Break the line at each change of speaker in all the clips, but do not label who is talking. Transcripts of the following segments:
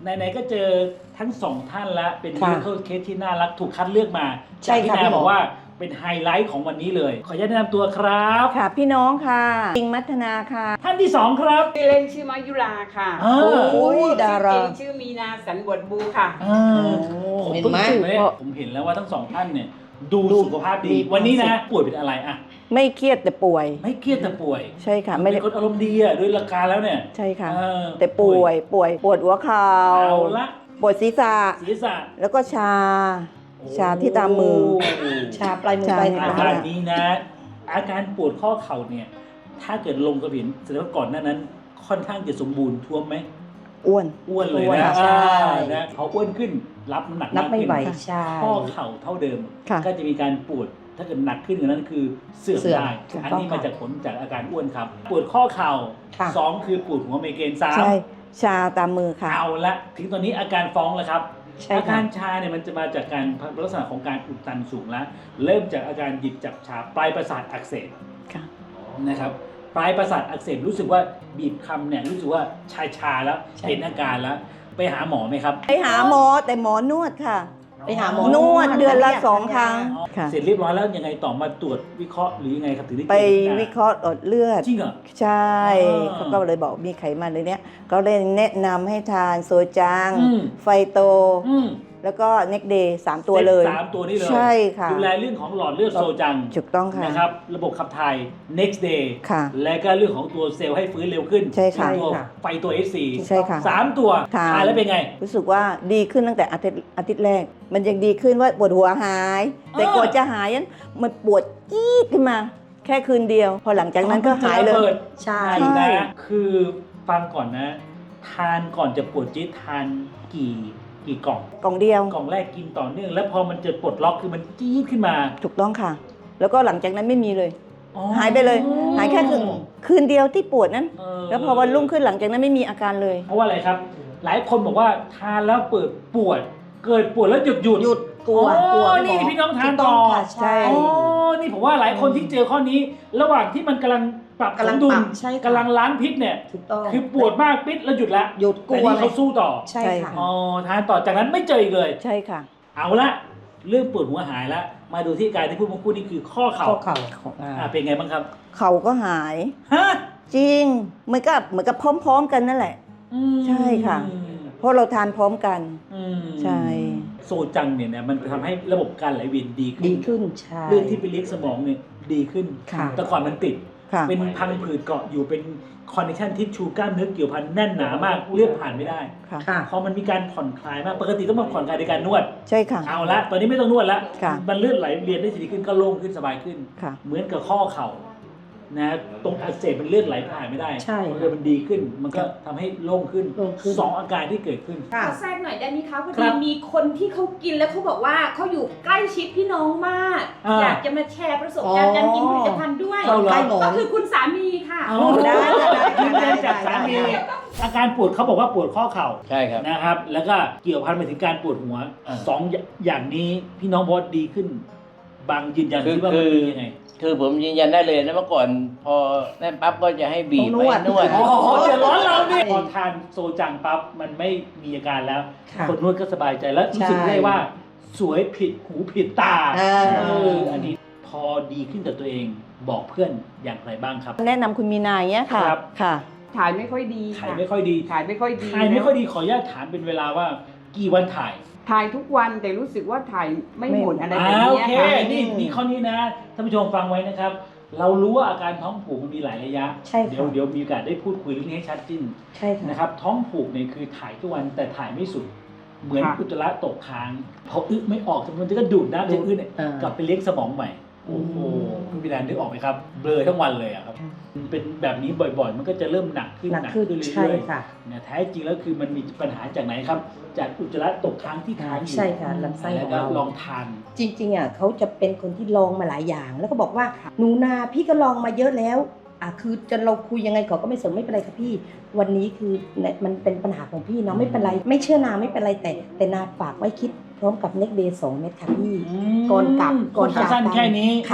ไหนๆก็เจอทั้งสองท่านแล้วเป็น
ค่ะ
medical case ที่น่ารักถูกคัดเลือกมา
ใช่
จากที่
ค่ะ
นา
พี่หมอ
บอกว่าเป็นไฮไลท์ของวันนี้เลย ขออนุญาตแนะนำตัวครับ
ค่ะพี่น้องค่ะปิงมัทนาค่ะ
ท่านที่สองครับ
ชื่อเล่นชื่อมายุราค่ะ
อ่า
โอ้ยดารา
ชื่อจริงชื่อมีนาสันบวชบูค่ะ
ผม
เห็น
เพิ่ง
ไหม
เห็นเลยผมเห็นแล้วว่าทั้งสองท่านเนี่ยดูสุขภาพดี
มี
วันนี้นะ
ความสุข
ป่วยเป็นอะไรอะ
ไม่เครียดแต่ป่วย
ไม่เครียดแต่ป่วย
ใช่ค่ะไม่
เป็
ได้
นคนอารมณ์ดีอะด้วยหลักการแล้วเนี่ย
ใช่ค่ะ
เออ
แต่ป่วยปวดหัวเข่า
เอาละ
ปวดศีรษะ
ศีรษะ
แล้วก็ชา ชาที่ตามมือ
ชาปลายมือ
ชา
ปลาย
อา
เท้า
การนี้นะ อาการปวดข้อเข่าเนี่ย ถ้าเกิดลงกระผินแสดงว่าก่อนหน้านั้น ค่อนข้างจะสมบูรณ์ท้วมไหม
อ้วน
อ้วนเลย
อ้วน
นะ
ใช่
นะพออ้วนขึ้นรับน้ำหนัก
นับ
มาก
ไม่
ขึ้น
ไหว
ค่ะ
ใช่
ข้อเข่าเท่าเดิม
ค่ะ
ก็จะมีการปวดถ้าเกิดหนักขึ้นกว่านั้นคือเสื่อม
เสื่อม
ได้
ถูก
อัน
ต้อง
นี้
ค่ะ
มาจากผลจากอาการอ้วนครับ ปวดข้อเข่า
ค่ะ
สองคือปวดหัวไมเกรนสาม
ใช่ ชาตามมือค่ะ
เอาละถึงตอนนี้อาการฟ้องแล้วครับ
ใช่
อา
ค่ะ
การชาเนี่ยมันจะมาจากการลักษณะของการอุดตันสูงแล้ว เริ่มจากอาการหยิบจับชาปลายประสาทอักเสบ
ค่ะ
นะครับปลายประสาทอักเสบรู้สึกว่าบีบคำเนี่ยรู้สึกว่าชาแล้ว
ใช่
เห็นอาการแล้ว ไปหาหมอไหมครับ
ไปหาหมอแต่หมอนวดค่ะ
ไปหาหมอน
วดเดือนละ
เรียก
2 ครั้งค่ะ
เสร็จเรียบร้อยแล้วยังไงต่อมาตรวจวิเคราะห์หรือยังไงครับถึงได้
ไป
เจอ
วิเคราะห์หลอดเลือด
จริงเหรอ
ใช่
อ่า
เขาก็เลยบอกมีไขมันเลยเนี้ยก็เลยแนะนำให้ทานโซจัง
อืม
ไฟโต
อืม
แล้วก็เน็กเดย์3 ตัวเลย
สามตัวนี้เลย
ใช่ค่ะ
ดูแลเรื่องของหลอดเลือดโซจัง
ถูกต้องค่ะ
นะครับระบบขับถ่าย next day
ค่ะ
และก็เรื่องของตัวเซลล์ให้ฟื้นเร็วขึ้น
ใช่ค่ะ
ตัว
ใช่ค่ะ
ไฟตัว SC
ใช่ค่ะ
สามตัว
ทาน
ทานแล้วเป็นไง
รู้สึกว่าดีขึ้นตั้งแต่อาทิตย์แรก มันยังดีขึ้นว่าปวดหัวหาย แต่ก่อนจะหายนั้นมันปวดจี๊ดขึ้นมา แค่คืนเดียว พอหลังจากนั้นก็หายเลย
ใช่
ใช่
ใช่
นะคือฟังก่อนนะ ทานก่อนจะปวดจี๊ดทานกี่กล่อง
กล่องเดียว
กล่องแรกกินต่อเนื่องแล้วพอมันจะปลดล็อกคือมันจี๊ดขึ้นมา
ถูกต้องค่ะ แล้วก็หลังจากนั้นไม่มีเลย
อ๋อ
หายไปเลย หายแค่คืนเดียวที่ปวดนั้น
เออ
แล้วพอวันรุ่งขึ้นหลังจากนั้นไม่มีอาการเลย
เพราะว่าอะไรครับ หลายคนบอกว่าทานแล้วเปิดปวด เกิดปวดแล้วหยุด
หยุดกลัว
อ๋อก
ลัว
นี่
หมอ
พี่น้องทาน
ถูกต้อง
ต่อ
ค่ะใช่
อ๋อนี่ผมว่าหลายคนที่เจอข้อนี้ ระหว่างที่มันกำลังปรับส
กำลั
ม
ง
ดุ
ป
ล
รับใช่ค่ะ
กำลังล้างพิษเนี่ย
ถูกต้อง
คือปวดมากปิดแล้วหยุดละ
หยุดก
แต่
ลัว
นี่
เล
เขา
ย
สู้ต่อ
ใช่ค่ะ
อ๋อทานต่อจากนั้นไม่เจออีกเลย
ใช่ค่ะ
เอาละเรื่องปวดหัวหายละมาดูที่การที่พูดเมื่อกี้นี่คือข้อเข่า
ข้อเข่าอ่า
เป็นไงบ้างครับ
เขาก็หาย
ฮะ
จริงเหมือนกับพร้อมๆกันนั่นแหละ ใช่ค่ะ เพราะเราทานพร้อมกัน
อืม
ใช่
โซจังเนี่ยนะมันทำให้ระบบการไหลเวียนดีขึ้น
ดีขึ้นใช่
เรื่องที่ไปเลี้ยงสมองเนี่ยดีขึ้น
ค่ะ
แต่ก่อนมันติด
ค่ะ
เป็นพังผืดเกาะอยู่เป็นคอนเนคชันทิชชูกล้ามเนื้อเกี่ยวพันแน่นหนามากเลือดผ่านไม่ได้
ค่ะ
ค่ะ
พอมันมีการผ่อนคลายมากปกติต้องมาผ่อนคลายในการนวด
ใช่ค่ะ
เอาละตอนนี้ไม่ต้องนวดละ
ค่ะ
มันเลือดไหลเวียนได้ดีขึ้นก็โล่งขึ้นสบายขึ้น
ค่ะ
เหมือนกับข้อเข่านะตรงอักเสบมันเลือดไหลผ่านไม่ได้
ใช่
มันดีขึ้น มันก็ทำให้โล่งขึ้น
โล่งขึ้น
สองอาการที่เกิดขึ้น
ค่ะ
ขอแทรกหน่อยได้ไหมคะพอ
ครั
ดี
บ
มีคนที่เขากินแล้วเขาบอกว่าเขาอยู่ใกล้ชิดพี่น้องมาก
อ่า
อยากจะมาแชร์ประสบการณ์การกินผลิตภัณฑ์ด้วย
เอาเหรอ
ใกล้หมอ
ก็
น
คือคุณสามีค่ะ
เอา
ได้ได้
ยืนยันจากสามี
ได้
อาการปวดเขาบอกว่าปวดข้อเข่า
ใช่ครับ
นะครับ แล้วก็เกี่ยวพันไปถึงการปวดหัว
อ่า
สองอย่างนี้พี่น้องบอสดีขึ้น บางยืนยัน
คือ
ที่ว่ามันดียังไง
คือผมยืนยันได้เลยนะเมื่อก่อนพอนั่นปั๊บก็จะให้บีบ
ต้องนวด
ไว้นวด
อ๋อเดือดร้อนเราเนี่ยพอทานโซจังปั๊บมันไม่มีอาการแล้ว
ค่ะ
คนนวดก็สบายใจแล้วรู้สึก
ใช่
ได้ว่าสวยผิดหูผิดตา
เออ
อันนี้พอดีขึ้นกับตัวเองบอกเพื่อนอย่างไรบ้างครับ
แนะนำคุณมีนาอย่างเงี้ยค่ะ
ครับ
ค่ะ
ถ่ายไม่ค่อยดี
ถ่าย
ค่ะ
ไม่ค่อยดี
ถ่ายไม่ค่อยดี
ถ่ายไม่ค่อยดีขออนุญาตถามเป็นเวลาว่ากี่วันถ่าย
ถ่ายทุกวันแต่รู้สึกว่าถ่ายไม่หมดอะไรแบบ
โอ
เนี้ย
เค
ค่ะ
นี่ข้อนี้นะท่านผู้ชมฟังไว้นะครับ เรารู้ว่าอาการท้องผูกมันมีหลายระยะ
ใช่ค่ะ
เดี๋ยวมีโอกาสได้พูดคุยเรื่องนี้ให้ชัดขึ้น
ใช่ค่ะ
นะครับ ท้องผูกเนี่ยคือถ่ายทุกวันแต่ถ่ายไม่สุด เหมือน
ค่ะ
อุจจาระตกค้างพออึไม่ออกมันจะก็ดูดน้ำจากอึเนี่ย
อ่าก
ลับไปเลี้ยงสมองใหม่โอ้โหคุณพิดานนึกออกไหมครับเบลอทั้งวันเลยอะครับเป็นแบบนี้บ่อยๆ มันก็จะเริ่มหนักขึ้น
หนักขึ้น
เรื่
ใช่
อย
ค่ะ
ๆเนี่ยแท้จริงแล้วคือมันมีปัญหาจากไหนครับ จากอุจจาระตกค้างที่ค้างอยู่
ใช่ค่ะลำไส้
แล้ว
ของ
ก็
เรา
ลองทาน
จริงๆอ่ะเขาจะเป็นคนที่ลองมาหลายอย่าง แล้วก็บอกว่าหนูนาพี่ก็ลองมาเยอะแล้วคือจนเราคุยยังไงเขาก็ไม่สนไม่เป็นไรค่ะพี่ วันนี้คือเนี่ยมันเป็นปัญหาของพี่เนาะไม่เป็นไร ไม่เชื่อนาไม่เป็นไรแต่นาฝากไว้คิดพร้อมกับเน็กเดย์2 เม็ดค่ะพี่ ก่อนกลับก่อนจาก
สั้น
กัน
แค่นี้
ค่ะ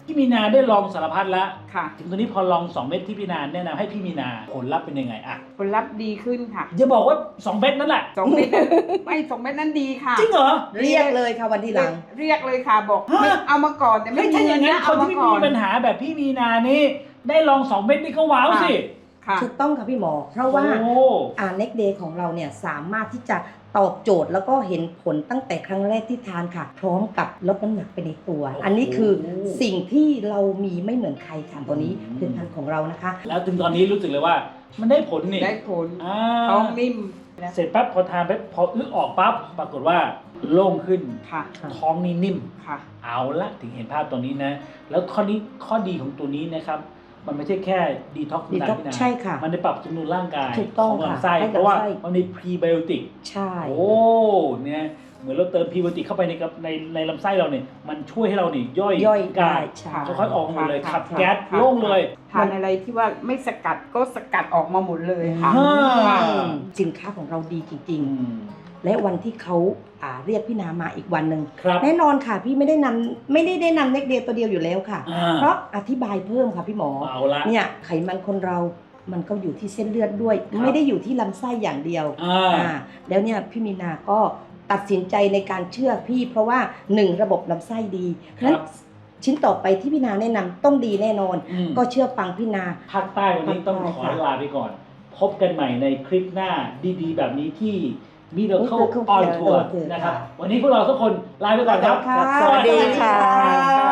พี่มีนาได้ลองสารพัดแล้ว
ค่ะ
ถึงตอนนี้พอลอง2เม็ดที่พี่นาแนะนำให้พี่มีนาผลลัพธ์เป็นยังไงอะ
ผลลัพธ์ดีขึ้นค่ะ
อย่าบอกว่า2เม็ดนั่นแหละ
2 เม็ดนั้นไม่2 เม็ดนั้นดีค่ะ
จริงเหรอ
เรียกเลยค่ะวันที่หลัง
เรียกเลยค่ะบอก
ฮะ
ไม่เอามาก่อนแต่
ไม่
ไม่
ใช่
มี
อย่างนั้น
นะ
ค
เอา
น
มา
ที่
ก่อ
มี
น
ปัญหาแบบพี่มีนานี่ได้ลอง2เม็ดนี่ก็ว้าวสิ
ค่ะ
ถูกต้องค่ะพี่หมอ เพราะว่า
โอ้
Next Day ของเราเนี่ยสามารถที่จะตอบโจทย์แล้วก็เห็นผลตั้งแต่ครั้งแรกที่ทานค่ะ พร้อมกับลดน้ำหนักไปในตัว อันนี้คือสิ่งที่เรามีไม่เหมือนใครค่ะตัวนี้ผลิตภัณฑ์ของเรานะคะ
แล้วถึงตอนนี้รู้สึกเลยว่ามันได้ผลนี่
ได้ผล
อ่า
ท้องนิ่ม
เสร็จปั๊บพอทานไปพออึออกปั๊บปรากฏว่าโล่งขึ้น
ค่ะ
ท้องนี่นิ่ม
ค่ะ
เอาละถึงเห็นภาพตรงนี้นะ แล้วข้อดีของตัวนี้นะครับ มันไม่ใช่แค่ดีท็อกซ์
Detox ใช่ค่ะ
มันได้ปรับสมดุลร่างกาย
ถูกต้อง
ของลำ
ค่ะ
ไส้
ให้กับ
เพราะว่า
ไส้
มันมีพรีไบโอติก
ใช่
โอ้เนี่ยเหมือนเราเติมพรีไบโอติกเข้าไปในลำไส้เราเนี่ยมันช่วยให้เราเนี่ยย่อย
ย่อย
กา
ได้
ย
ใช่
ค่อยๆออกหมดเลย
ค่ะ
ขับ
ค่ะ
แก๊ส
ค่ะ
โล่งเลย
ทานอะไรที่ว่าไม่สกัดก็สกัดออกมาหมดเลยค่ะ
อ่า
ค่ะ
สินค้าของเราดีจริง
อืม
ๆ และวันที่เขาเรียกพี่นามาอีกวันหนึ่ง
ครับ
แน่นอนค่ะพี่ไม่ได้นำเน็กเดย์ตัวเดียวอยู่แล้วค่ะ
อ่า
เพราะอธิบายเพิ่มค่ะพี่หมอ
เอาละ
เนี่ยไขมันคนเรา มันก็อยู่ที่เส้นเลือดด้วย
ครับ
ไม่ได้อยู่ที่ลำไส้อย่างเดียว
อ่า
แล้วเนี่ยพี่มีนาก็ตัดสินใจในการเชื่อพี่ เพราะว่าหนึ่งระบบลำไส้ดี
ครับ
นั้นชิ้นต่อไปที่พี่นาแนะนำต้องดีแน่นอน
อืม
ก็เชื่อฟังพี่นา
ภาคใต้วันนี้ต้องขอลาไปก่อน พบกันใหม่ในคลิปหน้าดีๆ แบบนี้ที่ Miracle
Miracle
on
Care
Tour
โอเค
นะครับ
ค่ะ
วันนี้พวกเราทุกคนลาไปก่อนครับ
ค่ะ
สวัสดีค่ะ
สวัสดีครับ